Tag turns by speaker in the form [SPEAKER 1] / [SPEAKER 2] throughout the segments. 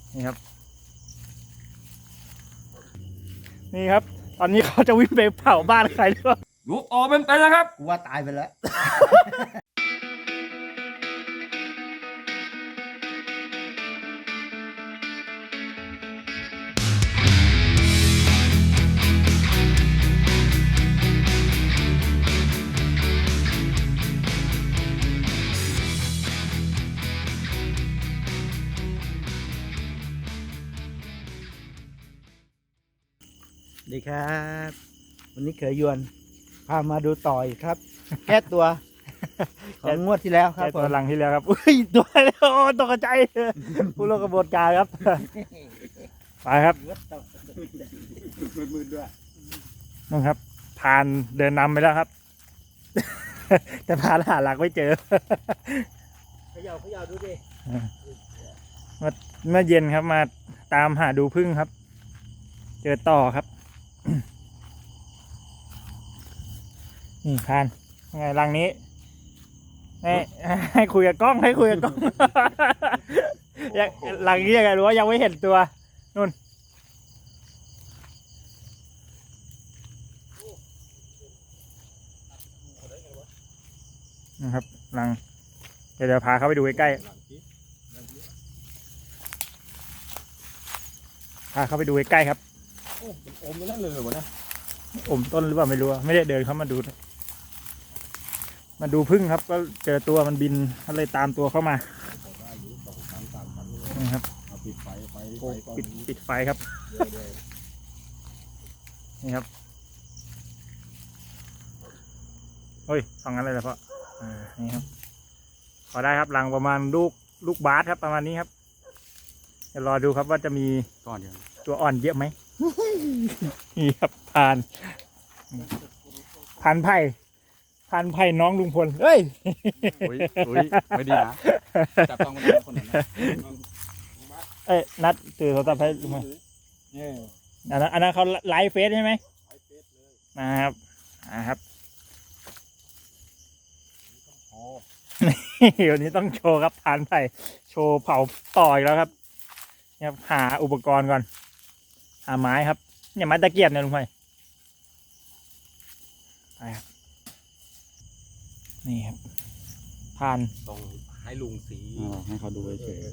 [SPEAKER 1] นี่ครับนี่ครับตอนนี้เขาจะวิ่งไปเผาบ้านใครหรือเปล่า
[SPEAKER 2] ลูกออกเป็นนะครับ
[SPEAKER 3] กูว่าตายไปแล้ว ดีครับ วันนี้เขยยวนพามาดูต่อยครับ แก้ตัวของงวดที่แล้วครับ
[SPEAKER 1] แค่ตัวหลังที่แล้วครับอุ้ยตัวโอ้ตกใจผู้ร่วมกระบวนการครับไปครับ
[SPEAKER 3] มืดด้วย
[SPEAKER 1] นู่นครับผ่านเดินนำไปแล้วครับ แต่ผ่านหาหลักไม่เจอ
[SPEAKER 3] เขย่าดูดิ
[SPEAKER 1] เมื่อเย็นครับมาตามหาดูพึ่งครับ เจอต่อครับ นี่ผ่านไงรังนี้ให้คุยกับกล้องให้คุยกับกล้อง ยังรังนี้ยังไงรู้ว่ายังไม่เห็นตัวนู่นนะครับรังเดี๋ยวพาเข้าไปดูใกล้ๆพาเข้าไปดูใกล้ๆครับ
[SPEAKER 2] โอ้เป็นอมไปนั่นเลยวะนะ
[SPEAKER 1] อมต้นหรือเปล่าไม่รู้อะไม่ได้เดินเข้ามาดูพึ่งครับ ก็เจอตัวมันบินก็เลยตามตัวเข้ามานี่ครับ
[SPEAKER 2] เอาปิดไฟไฟ
[SPEAKER 1] ปิดไฟครับนี่ครับโอ้ยสองงั้นเลยเหรอพ่อนี่ครับพอได้ครับรังประมาณลูกบาสครับประมาณนี้ครับเดี๋ยวรอดูครับว่าจะมี
[SPEAKER 2] ก่อนเดียว
[SPEAKER 1] ตัวอ่อนเยอะไหม นี่ครับพันไผ่น้องลุงพลเฮ้ย
[SPEAKER 2] อุ้ยไม่ดีนะจับต้องคนนั้นนะ
[SPEAKER 1] เอ้ยนัดตื่นโทรศัพท์ให้ลุงพล
[SPEAKER 2] เนี่ย
[SPEAKER 1] อันนั้นเขาไลฟ์เฟซใช่ไหมนะครับวันนี้ต้องโชว์ครับพันไผ่โชว์เผาต่ออีกแล้วครับเนี่ยหาอุปกรณ์ก่อนหาไม้ครับเนี่ยไม้ตะเกียบเนี่ยลุงพลไปครับนี่ครับผ่าน
[SPEAKER 2] ต้องให้ลุงสี
[SPEAKER 4] ให้เขาดูเฉย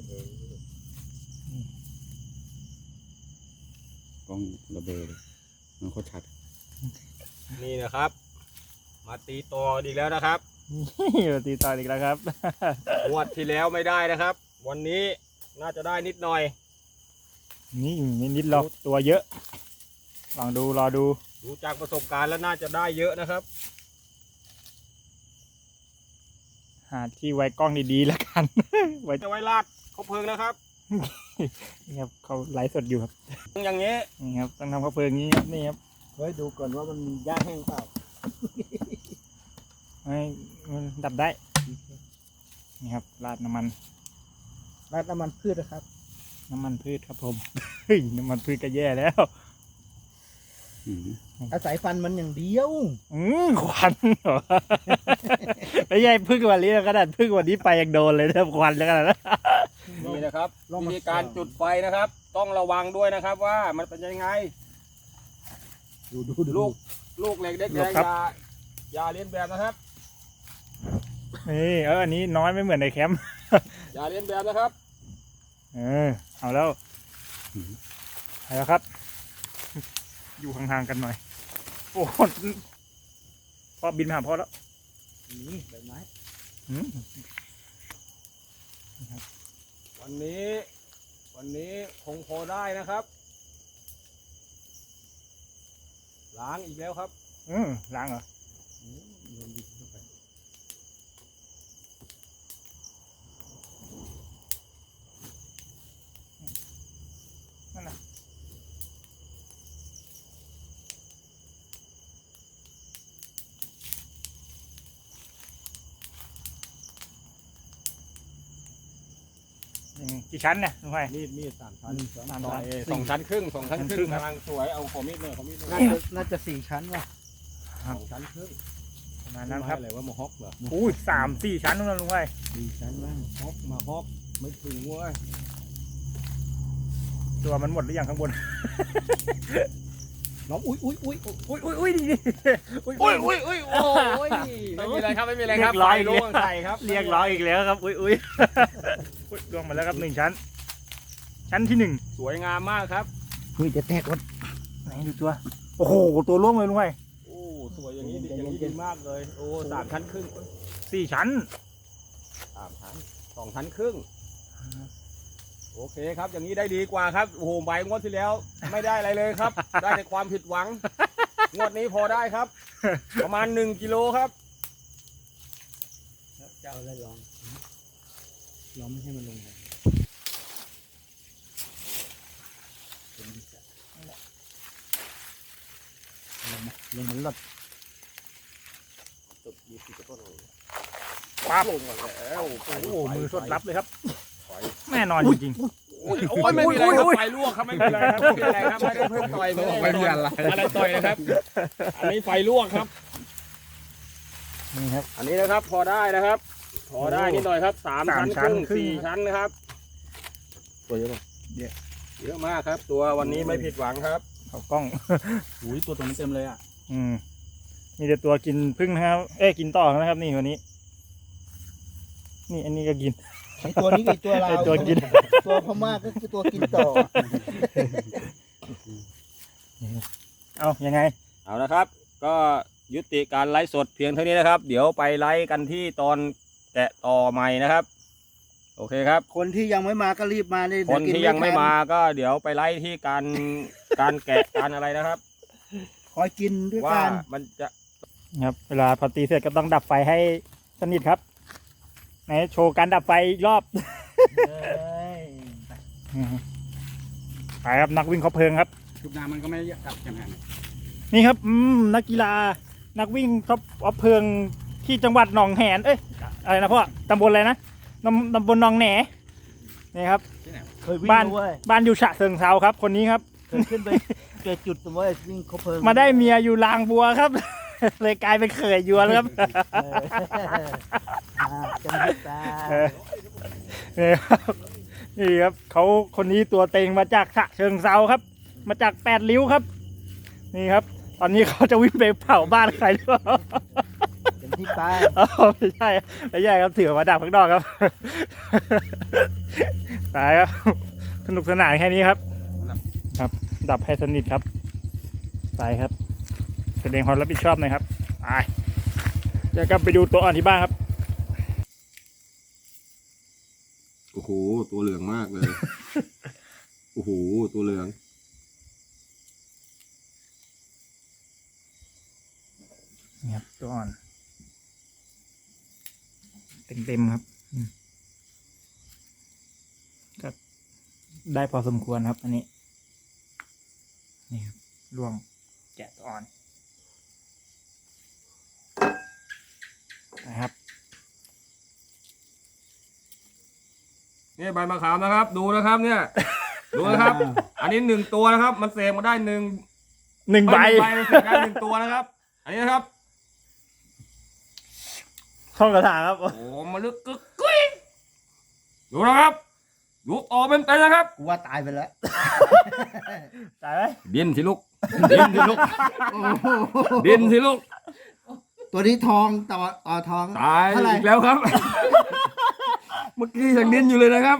[SPEAKER 4] กล้องระเบิดมันโคตรชัด
[SPEAKER 2] นี่นะครับ มาตีตัวอีกแล้วนะครับ
[SPEAKER 1] นี่ตีต่ออีกแล้วครับ
[SPEAKER 2] งวดที่แล้วไม่ได้นะครับ วันนี้น่าจะได้นิดหน่อย
[SPEAKER 1] นี่นิดๆหรอกตัวเยอะลองดูรอดู
[SPEAKER 2] ดูจากประสบการณ์แล้วน่าจะได้เยอะนะครับ
[SPEAKER 1] หาที่ไว้กล้องดีๆแล้วกัน ไว้
[SPEAKER 2] จะไว้ลาดเขาเพลิงนะครับ
[SPEAKER 1] นี่ครับเขาไลฟ์สดอยู่ครับ
[SPEAKER 2] อย่างนี้
[SPEAKER 1] นี่ครับต้องทำข้าวเพลิงนี้ครับนี่ครับ
[SPEAKER 3] เฮ้ยดูก่อนว่ามันมีหญ้าแห้งเปล่า
[SPEAKER 1] ให้มันดับได้นี่ครับราดน้ำมัน
[SPEAKER 3] ราดน้ำมันพืชนะครับ
[SPEAKER 1] น้ำมันพืชครับผม เฮ้ยน้ำมันพืชก็แย่แล้ว
[SPEAKER 3] อาศัยฟันมันอย่างเดียว
[SPEAKER 1] ควันเหรอ ไม่ใช่พึ่งวันนี้ขนาดพึ่งวันนี้ไปยังโดนเลยนะควันแล้วกันนะ
[SPEAKER 2] นี่นะครับวิธีการจุดไฟนะครับ ต้องระวังด้วยนะครับว่ามันเป็นยังไง
[SPEAKER 3] ดู
[SPEAKER 2] ลูกเหล็กเด็กแดงอย่าเลียนแบบนะครับ
[SPEAKER 1] นี่อันนี้น้อยไม่เหมือนในแคมป์
[SPEAKER 2] อย่าเลียนแบบนะครับ
[SPEAKER 1] เอาแล้วไปแล้วครับ อยู่ห่างๆกันหน่อย โอ้พ่อบินมาหาพ่อแล้ว
[SPEAKER 3] นี่ใบไม้
[SPEAKER 2] วันนี้คงพอได้นะครับ ล้างอีกแล้วครับ
[SPEAKER 1] ล้างเหรอ นั่นน่ะกี่ชั้นเนี่ยลุงไผ่
[SPEAKER 2] มีด3 ชั้น
[SPEAKER 1] 3 ชั้น
[SPEAKER 2] 2 ชั้นครึ่ง2 ชั้นครึ่ง
[SPEAKER 1] 2 ชั้นครึ่งครับ
[SPEAKER 2] กำลังสวยเอาขอมีดเลย
[SPEAKER 3] น่าจะ4 ชั้นว่ะ
[SPEAKER 2] 2 ชั้นครึ่ง
[SPEAKER 1] ประมาณนั้นครับ
[SPEAKER 2] อะไรว่ามาฮอกเหรอ
[SPEAKER 1] อุ้ย3-4 ชั้นนู่นนะลุงไผ่
[SPEAKER 3] 4 ชั้นว่าง
[SPEAKER 2] ฮอกมาฮอกไม่ถึงเว้ย
[SPEAKER 1] ตัวมันหมดหรือยังข้างบน
[SPEAKER 3] ร้องอุ้ย
[SPEAKER 1] อุ้ยนี่อุ้ย
[SPEAKER 2] โอ้ยไม่มีอะไรครับไม่มีอะไรครับ
[SPEAKER 1] เรียบร้อย
[SPEAKER 2] ไฟล่วงใส่ครับ
[SPEAKER 1] เรียกร้องอีกแล้วครับอุ้ยล่วงมาแล้วครับ1 ชั้น ชั้นที่
[SPEAKER 2] สวยงามมากครับ
[SPEAKER 3] อุ้ยจะแตกวะ
[SPEAKER 1] 1ไหนดูตัวโอ้โหตัวล่วงเลยลุงไว้
[SPEAKER 2] โอ้สวยอย่างนี้ดีอย่างนี้ดีมากเลยโอ้3 ชั้นครึ่ง
[SPEAKER 1] 4 ชั้น
[SPEAKER 2] 3 ชั้น 2 ชั้นครึ่งโอเคครับอย่างนี้ได้ดีกว่าครับโอ้โหใบงวดที่แล้วไม่ได้อะไรเลยครับ ได้แต่ความผิดหวังงวดนี้พอได้ครับ ประมาณ1 กิโลครับ
[SPEAKER 3] จะเอาอะไรลองไม่ให้มันลงเลยลงมันหลด
[SPEAKER 1] ปั๊บ
[SPEAKER 2] ลงมาแล้ว
[SPEAKER 1] โอ้โหมือสดรับเลยครับแน่นอนจริง
[SPEAKER 2] โอ้ยไม่มีอะไรครับไฟลวกครับไม่มีอะไรครับไม่มีอะไรครับไม่ได้เพิ่มต่อยไม่มีอะไรต่อยนะครับ อันนี้ไฟลวกครับ
[SPEAKER 1] ๆนี่ครับ
[SPEAKER 2] อันนี้นะครับพอได้นะครับ พอได้นิดหน่อยครับ3 ชั้นครึ่ง
[SPEAKER 1] ครึ่ง
[SPEAKER 2] 4 ชั้นนะครับ
[SPEAKER 4] ตัวเยอะป่ะ
[SPEAKER 2] เยอะมากครับ ตัววันนี้ไม่ผิดหวังครับ
[SPEAKER 1] เขากล้อง
[SPEAKER 4] อุ้ยตัวตรงนี้เต็มเลยอ่ะ
[SPEAKER 1] มีแต่ตัวกินพึ่งนะครับกินต่อนะครับนี่วันนี้ นี่อันนี้ก็กิน
[SPEAKER 3] ไอตัวนี้กับตัวเรา
[SPEAKER 1] ไอ้ตัวกิน
[SPEAKER 3] ตัวพม่าก็คือตัวกินต่อ
[SPEAKER 1] เอายังไง
[SPEAKER 2] เอานะครับ ก็ยุติการไลฟ์สดเพียงเท่านี้นะครับ เดี๋ยวไปไลฟ์กันที่ตอนแกะต่อใหม่นะครับ โอเคครับ
[SPEAKER 3] คนที่ยังไม่มาก็รีบมาเลย
[SPEAKER 2] คนที่ยังไม่มาก็เดี๋ยวไปไลฟ์ที่การแกะการอะไรนะครับ
[SPEAKER 3] คอยกินด้วย
[SPEAKER 2] ว่า
[SPEAKER 3] กัน
[SPEAKER 2] มันจะ
[SPEAKER 1] ครับ เวลาพอตีเสร็จก็ต้องดับไฟให้สนิทครับไหนโชว์การดับไฟอีกรอบ ไปครับนักวิ่งเขาเพลิงครับ
[SPEAKER 4] ชุบน้ำมันก็ไม่จับอย่างนั้น
[SPEAKER 1] นี่ครับนักกีฬานักวิ่งเขาเอาเพลิงที่จังหวัดหนองแหนอะไรนะพ่อตำบลอะไรนะตำบลหนองแหนนี่ครับ
[SPEAKER 3] เคยวิ่ง
[SPEAKER 1] บ้าน
[SPEAKER 3] ด้วย
[SPEAKER 1] บ้านอยู่ฉะเชิงเทราครับ คนนี้ครับ
[SPEAKER 3] เคยขึ้นไปเจอจุดตรงว่าวิ่งเขาเพลิง
[SPEAKER 1] มาได้เมียอยู่ลางบัวครับ เลยกลายเป็นเขยยวนครับ
[SPEAKER 3] จำได้ตา
[SPEAKER 1] นี่ครับนี่ครับเขาคนนี้ตัวเต็งมาจากฉะเชิงเทราครับ มาจาก8 ริ้วครับ นี่ครับ ตอนนี้เขาจะวิ่งไปเผาบ้านใครหรือเปล่า
[SPEAKER 3] จำที่ตา
[SPEAKER 1] อ๋อไม่ใช่ครับถือมาดับข้างนอกครับ ตายครับสนุกสนานแค่นี้ครับ ครับ ดับให้สนิทครับไปครับแสดงความรับผิดชอบหน่อยครับไปเดี๋ยวกลับไปดูตัวอ่อนที่บ้านครับ
[SPEAKER 2] โอ้โหตัวเหลืองมากเลย โอ้โหตัวเหลือง
[SPEAKER 1] นี่ครับตัวอ่อนเต็มครับก็ได้พอสมควรครับ อันนี้นี่ครับร่วงแกะตัวอ่อนนะครับ
[SPEAKER 2] นี่ใบมะขามนะครับ ดูนะครับเนี่ย ดูนะครับ อันนี้1 ตัวนะครับ มันเสกมาได้1
[SPEAKER 1] 1 ใบ
[SPEAKER 2] มันเสกได้1 ตัวนะครับ อันนี้นะครับ
[SPEAKER 1] ท่องกระถาครับ
[SPEAKER 2] โอ้มาลึกกึกกุ้ยดูนะครับดูออกเป็นนะครับ
[SPEAKER 3] กูว่าตายไปแล้ว
[SPEAKER 1] ตายไหม
[SPEAKER 2] ดินสิลูกดินสิลูกดินสิลูก
[SPEAKER 3] ตัวนี้ทองต่อทอง
[SPEAKER 2] ตาย
[SPEAKER 3] เท่าไหร่
[SPEAKER 2] อีกแล้วครับ เมื่อกี้ยังดินอยู่เลยนะครับ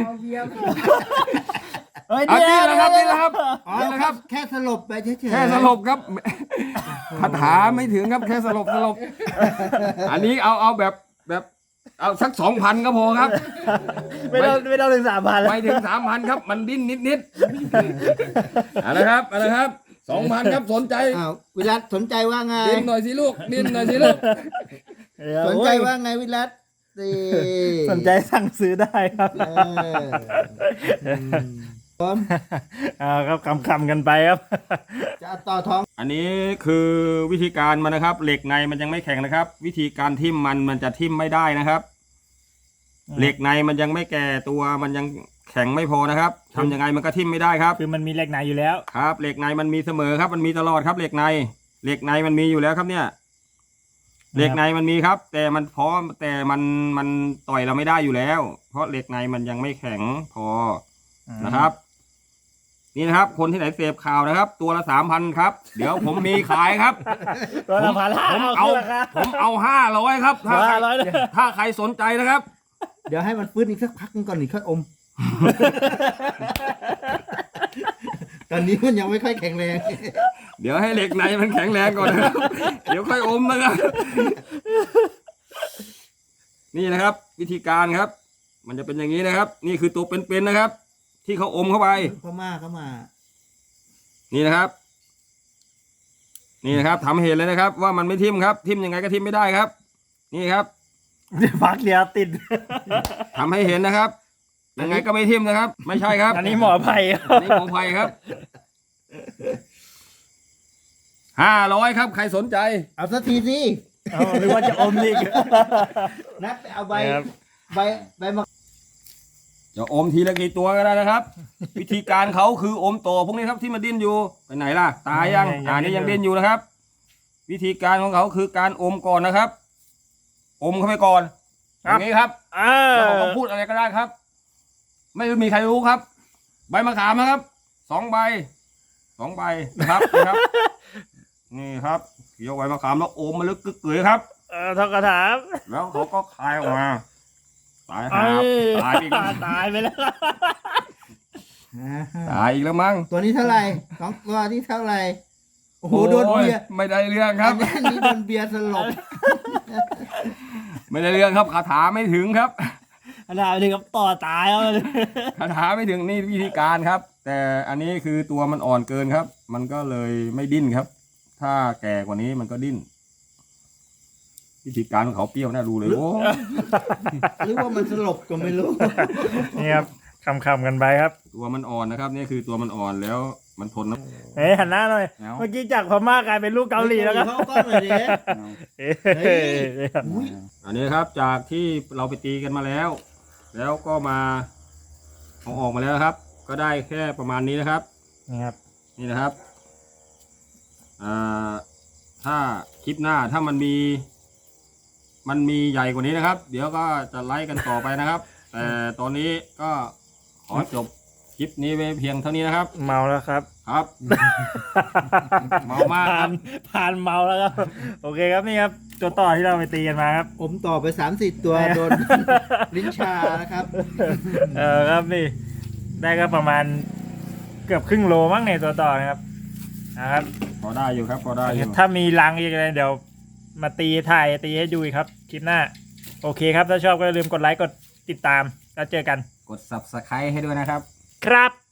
[SPEAKER 3] เฮ้ย
[SPEAKER 2] อัน
[SPEAKER 3] เดี๋
[SPEAKER 2] นี้
[SPEAKER 3] ยว
[SPEAKER 2] แหละครับนี่แหละครับ
[SPEAKER 3] อ๋อ
[SPEAKER 2] นี่แหละครับ
[SPEAKER 3] แค่สลบไปเฉยๆ
[SPEAKER 2] แค่สลบครับคาถาไม่ถึงครับแค่สลบอันนี้เอาแบบเอาสัก 2,000ก็พอครับ
[SPEAKER 1] ไม่ต้องถึง3,000แล้ว
[SPEAKER 2] ไม่ถึง 3,000ครับ มันดิ้นนิดๆอะไรครับ 2,000ครับสนใจ
[SPEAKER 3] อ้าววิรัตสนใจว่าไง
[SPEAKER 2] ดิ้นหน่อยสิลูกดิ้นหน่อยสิลูก
[SPEAKER 3] สนใจว่าไงวิรัตสิ
[SPEAKER 1] สนใจสั่งซื้อได้ครับ
[SPEAKER 3] พร้อม
[SPEAKER 1] ครับคำกันไปครับ
[SPEAKER 3] จะเอาต่อท้อง
[SPEAKER 2] อันนี้คือวิธีการมันนะครับ เหล็กในมันยังไม่แข็งนะครับ วิธีการทิ่มมันจะทิ่มไม่ได้นะครับ เหล็กในมันยังไม่แก่ตัวมันยังแข็งไม่พอนะครับทำยังไงมันก็ทิ่มไม่ได้ครับ
[SPEAKER 1] คือมันมีเหล็กในอยู่แล้ว
[SPEAKER 2] ครับ เหล็กในมันมีเสมอครับ มันมีตลอดครับ เหล็กในมันมีอยู่แล้วครับเนี่ย เหล็กในมันมีครับ แต่มันพอแต่มันต่อยเราไม่ได้อยู่แล้ว เพราะเหล็กในมันยังไม่แข็งพอนะครับนี่นะครับ คนที่ไหนเสพข่าวนะครับ ตัวละ 3,000 ครับ เดี๋ยวผมมีขายครับ
[SPEAKER 1] ตัวละพันห้า
[SPEAKER 2] ผม
[SPEAKER 1] เอา
[SPEAKER 2] เอา
[SPEAKER 1] ขึ้นราคา
[SPEAKER 2] ผมเอา500ครับถ้าใคร
[SPEAKER 1] 500เลย
[SPEAKER 2] ถ้าใครสนใจนะครับ
[SPEAKER 3] เดี๋ยวให้มันฟื้นอีกสักพักนึงก่อนนี่ค่อยอม ตอนนี้มันยังไม่ค่อยแข็งแรง
[SPEAKER 2] เดี๋ยวให้เหล็กในมันแข็งแรงก่อนนะครับ เดี๋ยวค่อยอมนะครับ นี่นะครับ วิธีการครับ มันจะเป็นอย่างนี้นะครับ นี่คือตัวเป็นๆนะครับ ที่เขาอมเข้าไป
[SPEAKER 3] พม่าเข้ามา
[SPEAKER 2] นี่นะครับ นี่นะครับทำให้เห็นเลยนะครับ ว่ามันไม่ทิ่มครับทิ่มยังไงก็ทิ่มไม่ได้ครับ นี่ครับ
[SPEAKER 1] พักเดียวติด
[SPEAKER 2] ทำให้เห็นนะครับ ยังไงก็ไม่ทิ่มนะครับ ไม่ใช่ครับ
[SPEAKER 1] อันนี้หมอไผ่
[SPEAKER 2] อันนี้หมอไผ่ครับ500ครับ ใครสนใจ
[SPEAKER 3] เอาสักทีสิ
[SPEAKER 1] เอาหรือว่าจะอมอีก
[SPEAKER 3] นัดไปเอาใบ
[SPEAKER 1] ครับ
[SPEAKER 3] ใบมะ
[SPEAKER 2] จะอมทีละกี่ตัวก็ได้นะครับ วิธีการเขาคืออมตัวพวกนี้ครับที่มันดิ้นอยู่ไปไหนล่ะ ตายยังนี่ยังดิ้นอยู่นะครับ วิธีการของเขาคือการอมก่อนนะครับ อมเข้าไปก่อนอย่างนี้ครับ แล้วเขาก็พูดอะไรก็ได้ครับ ไม่มีใครรู้ครับ ใบมะขามนะครับ2 ใบนะครับนะครับ นี่ครับเกี่ยวใบมะขามแล้วอมมาลึกกึกเกยครับ
[SPEAKER 1] ทอกกระถาม
[SPEAKER 2] แล้วเขาก็คายออกมาตายหาตายอีกแล้ว
[SPEAKER 1] ตายไปแล้ว
[SPEAKER 2] ตายอีกแล้วมั้ง
[SPEAKER 3] ตัวนี้เท่าไหร่2 ตัวนี้เท่าไหร่ โอ้โหโดนเบียร์
[SPEAKER 2] ไม่ได้เรื่องครับ
[SPEAKER 3] อันนี้โดนเบียร์สลบ
[SPEAKER 2] ไม่ได้เรื่องครับคาถาไม่ถึงครับ
[SPEAKER 1] ขนาดนี้ก็ต่อตายแล้วเลย
[SPEAKER 2] คาถาไม่ถึงนี่วิธีการครับ แต่อันนี้คือตัวมันอ่อนเกินครับ มันก็เลยไม่ดิ้นครับ ถ้าแก่กว่านี้มันก็ดิ้น วิธีการของเขาเปรี้ยวน่ารู้เลยโอ้
[SPEAKER 3] หรือว่ามันสลบก็ไม่รู้
[SPEAKER 1] นี่ครับคำกันไปครับ
[SPEAKER 2] ตัวมันอ่อนนะครับนี่คือตัวมันอ่อนแล้วมันทนนะ
[SPEAKER 1] เฮ้ยหันหน้าหน่อย
[SPEAKER 2] เอา
[SPEAKER 1] เมื่อกี้จากพม่ากลายเป็นลูกเกาหลีแล้วครับ
[SPEAKER 3] เข้ากล้องหน่อยดิ
[SPEAKER 1] เอ้ย
[SPEAKER 3] เฮ้ย อุ๊ย
[SPEAKER 2] อันนี้ครับจากที่เราไปตีกันมาแล้ว แล้วก็มาเอาออกมาแล้วครับ ก็ได้แค่ประมาณนี้นะครับ
[SPEAKER 1] นี่ครับ
[SPEAKER 2] นี่นะครับถ้าคลิปหน้าถ้ามันมีใหญ่กว่านี้นะครับ เดี๋ยวก็จะไล่กันต่อไปนะครับ แต่ตอนนี้ก็ขอจบคลิปนี้ไว้เพียงเท่านี้นะครับ
[SPEAKER 1] เมาแล้วครับ
[SPEAKER 2] ครับ เมามากครับ
[SPEAKER 1] ผ่านเมาแล้วครับ โอเคครับนี่ครับตัวต่อที่เราไปตีกันมาครับ
[SPEAKER 3] ผมต่อไป3-4 ตัวโดน ลิ้นชานะครับ
[SPEAKER 1] ครับนี่ได้ก็ประมาณเกือบครึ่งโลมั้งในตัวต่อนะครับนะครับ
[SPEAKER 2] พอได้อยู่ครับพอได้อยู่
[SPEAKER 1] ถ้ามีรังอีกอะไรเดี๋ยวมาตีให้ดูอีกครับคลิปหน้า โอเคครับถ้าชอบก็อย่าลืมกดไลค์กดติดตามแล้วเจอกัน
[SPEAKER 2] กด subscribe ให้ด้วยนะครับ
[SPEAKER 1] ครับ